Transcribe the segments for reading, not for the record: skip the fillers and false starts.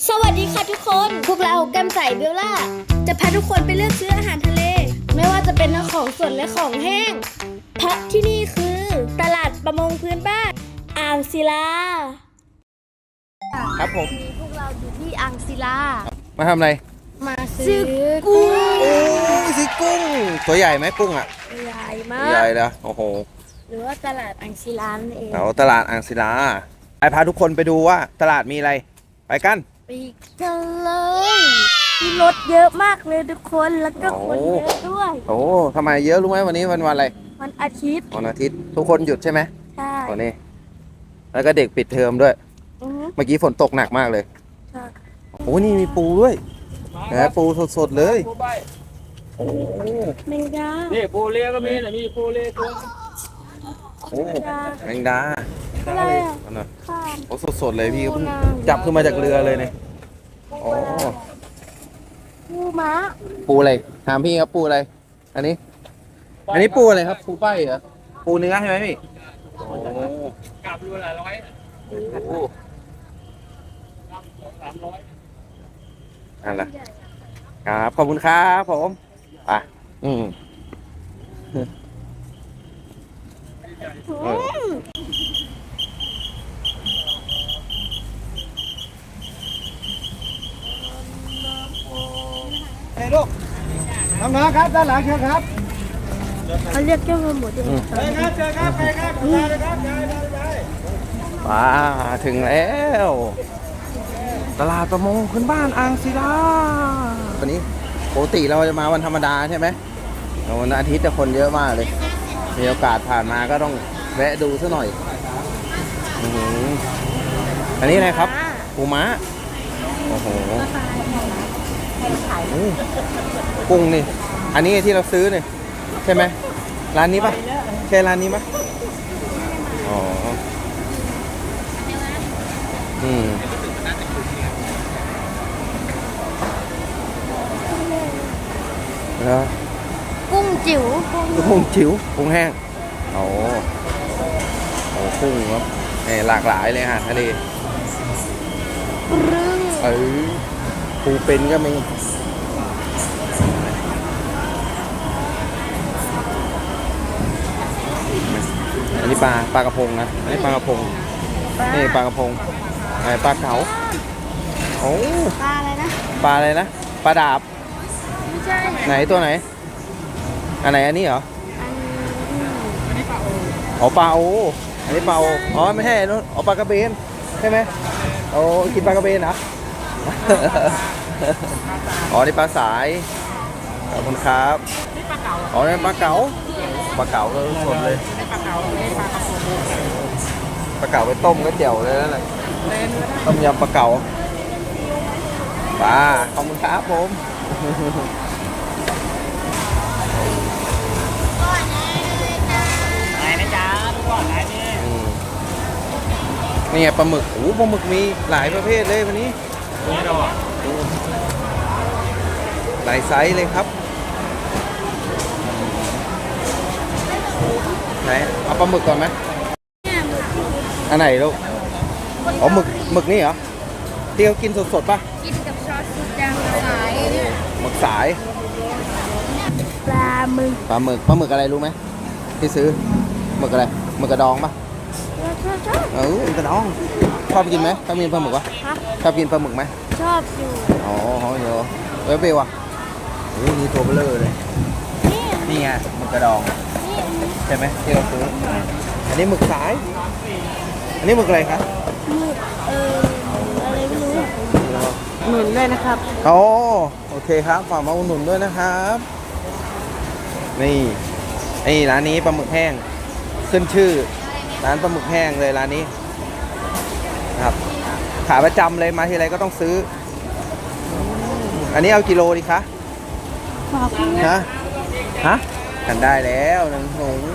สวัสดีค่ะทุกคนพวกเราแก้มใสเบลล่าจะพาทุกคนไปเลือกซื้ออาหารทะเล ไม่ว่าจะเป็นทั้งของสดและของแห้งเพราะที่นี่คือตลาดประมงพื้นบ้านอ่างศิลาครับผมพวกเราอยู่ที่อ่างศิลามาทำอะไรมาซื้อกุ้งซื้อกุ้งตัวใหญ่ไหมกุ้งอ่ะใหญ่มากใหญ่แล้วโอ้โหหรือว่าตลาดอ่างศิลานั่นเองเอาตลาดอ่างศิลาไปพาทุกคนไปดูว่าตลาดมีอะไรไปกันไปกันเลยมีรถเยอะมากเลยทุกคนแล้วก็คนเยอะด้วยโอ้ทำไมเยอะรู้ไหมวันนี้วันอะไรวันอาทิตย์ทุกคนหยุดใช่ไหมใช่วันนี้แล้วก็เด็กปิดเทอมด้วยเมื่อกี้ฝนตกหนักมากเลยโอ้นี่มีปูด้วยนะปูสดๆเลยโอ้แมงดานี่ปูเลี้ยก็มีนะมีปูเลี้ยตัวโอ้แมงดาอะไรอ่ะโอ้สดๆเลยพี่เพิ่งจับขึ้นมาจากเรือเลยเนี่ยโอ้ปูม้าปูอะไรถามพี่ครับปูอะไรอันนี้ปูอะไรครับปูป้ายเหรอปูเนื้อใช่ไหมพี่โอ้กลับรูละ100 โอ้นั่นแหละครับขอบคุณครับผมไปลูกน้องๆครับด้านหลังเชิญครับเขาเรียกเจ้าหมูที่นี่เชิญครับเชิญครับไปครับไปครับมาถึงแล้วตลาดประมงพื้นบ้านอ่างศิลาวันนี้ปกติเราจะมาวันธรรมดาใช่ไหมวันอาทิตย์แต่คนเยอะมากเลยมีโอกาสผ่านมาก็ต้องแวะดูซะหน่อยอันนี้อะไรครับปูม้าโอ้โหกุ้งนี่อันนี้ที่เราซื้อเนี่ยใช่ไหมร้านนี้ปะใช่ร้านนี้ปะอ๋อกุ้งจิ๋วกุ้งแห้งโอ้กุ้งครับหลากหลายเลยฮะทะเลปูเป็นก็มีอันนี้ปลากระพงนะอันนี้ปลากระพงนี่ปลากระพงปลาเก๋าโอ้ปลาอะไรนะปลาอะไรนะปลาดาบไม่ใช่ไหนตัวไหนอันไหนอันนี้เหรออ๋อปลาโออันนี้ปลาโออ๋อไม่ใช่นู้นอ๋อปลากระเบนใช่ไหมโอ้กินปลากระเบนเหรออ๋อนี่ปลาสายขอบคุณครับอ๋อนี่ปลาเก๋าก็สดเลยปลาเก๋าไปต้มก็เจียวเลยนั่นแหละต้มยำปลาเก๋าปลาขอบคุณครับผมไหนนะจ๊ะทุกคนไหนนี่ไงปลาหมึกโอ้ปลาหมึกมีหลายประเภทเลยวันนี้หลายไซส์เลยครับไหนเอาปลาหมึกก่อนไหมอันไหนลูกอ๋อหมึกนี่เหรอที่เขากินสดๆป่ะกินกับซอสสุดยางสายหมึกสายปลาหมึกอะไรรู้ไหมที่ซื้อหมึกอะไรหมึกกระดองป่ะกระดองชอบกินไหมชอบกินปลาหมึกวะชอบกินปลาหมึกไหมชอบอยู่อ๋อเยอะเบลอ่ะโอ้นี่ตัวเบลอเลยนี่ไงหมึกกระดองใช่ไหมที่เราซื้ออันนี้หมึกสายอันนี้หมึกอะไรครับหมึกอะไรไม่รู้หนุนด้วยนะครับโอเคครับฝากมาอุดหนุนด้วยนะครับนี่ร้านนี้ปลาหมึกแห้งขึ้นชื่อร้านปลาหมึกแห้งเลยร้านนี้ครับขาประจำเลยมาทีไรก็ต้องซื้ออันนี้เอากิโลดิคะฮะกันได้แล้วหนึ่งถุง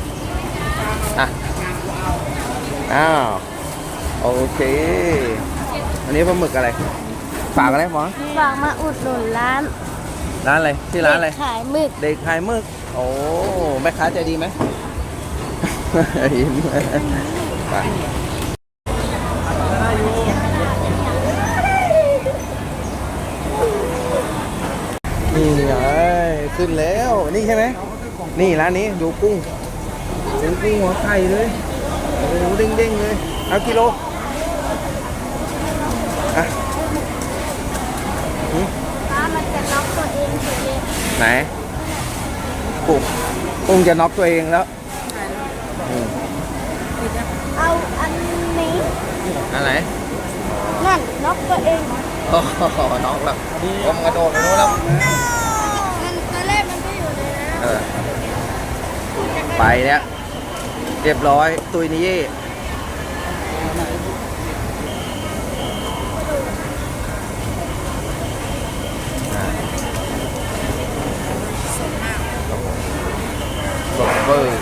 อ้าวโอเคอันนี้ปลาหมึกอะไรฝากอะไรหมอฝากมาอุดหนุนร้านอะไรที่ร้านอะไรขายหมึกเด็กขายหมึกโอ้แม่ค้าใจดีไหมยิ้มไปนี่ไงขึ้นแล้วนี่ใช่ไหมนี่ร้านนี้ดูกุ้งเป็นกุ้งหัวไข่เลยโอ้โหเด้งๆเลยเอากิโลอ่ะปลามันจะน็อกตัวเองเฉยเลยไหนกุ้งจะน็อกตัวเองแล้วอืมเอาอันนี้อันไหนนั่นน็อกตัวเองโอ้โหน็อกแล้วผมกระโดดไปโน้นแล้วมันตอนแรกมันก็อยู่ในน้เออไปเนี่ยเรียบร้อยตุยนี่เย่สดเบอร์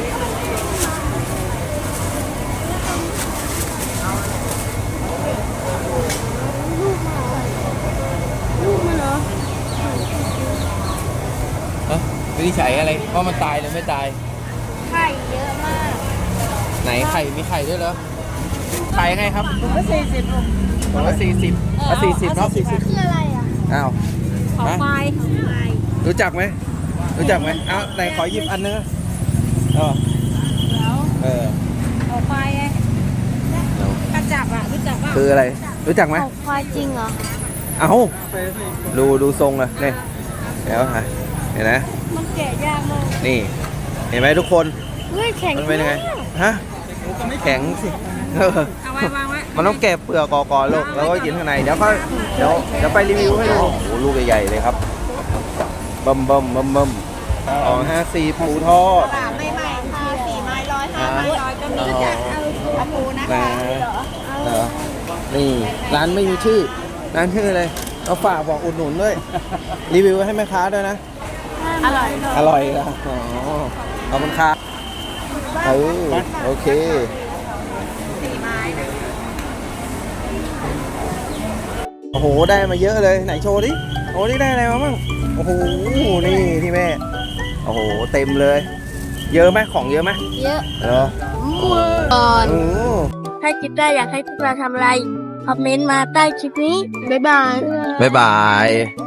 ำลูกมันเหรอวินิจฉัยอะไรว่ามันตายหรือไม่ตายไข่เยอะมากไหนไข่มีไข่ด้วยเหรอไข่ไงครับก็40ลูกผมว่า40เนาะคืออะไรอ่ะอ้าวของฮะควายของควายรู้จักไหมรู้จักไหมอ้าวไหนขอหยิบอันนึงอ๋อแล้วเออของควายไงกระจับอ่ะรู้จักป่ะคืออะไรรู้จักไหมของควายจริงเหรอเอ้าดูทรงเลยนี่เดี๋ยวหาเห็นไหมมันแกะยากมากนี่ เห็นไหมทุกคนเฮ้ยแข็งมันเป็นยังไงมากฮะแข็งสิเออเอาไว้วางไว้มันต้องแกะเปลือกก่อนลูกแล้วก็กินข้างในเดี๋ยวไปรีวิวให้ดูโอ้โหลูกใหญ่ๆเลยครับเบิ่มอ๋อ50ปูทอดไม่ใหม่ค่ะ4 ไม้ฮะ 100ก็มีจะเอาปูนะนะคะ เหรอนี่ร้านไม่มีชื่อร้านชื่ออะไรเอาฝากบอกอุดหนุนด้วยรีวิวให้แม่ค้าด้วยนะอร่อยอร่อยนะอ๋อขอบคุณครับโอเคโอ้โหได้มาเยอะเลยไหนโชว์ดิโอ้นี่ได้อะไรมาบ้างโอ้โหนี่ที่แม่โอ้โหเต็มเลย เยอะไหมของเยอะไหมเยอะเหรอก่อนอือถ้าคิดได้อยากให้พวกเราทำอะไร คอมเมนต์มาใต้คลิปนี้ บ๊ายบายบ๊ายบาย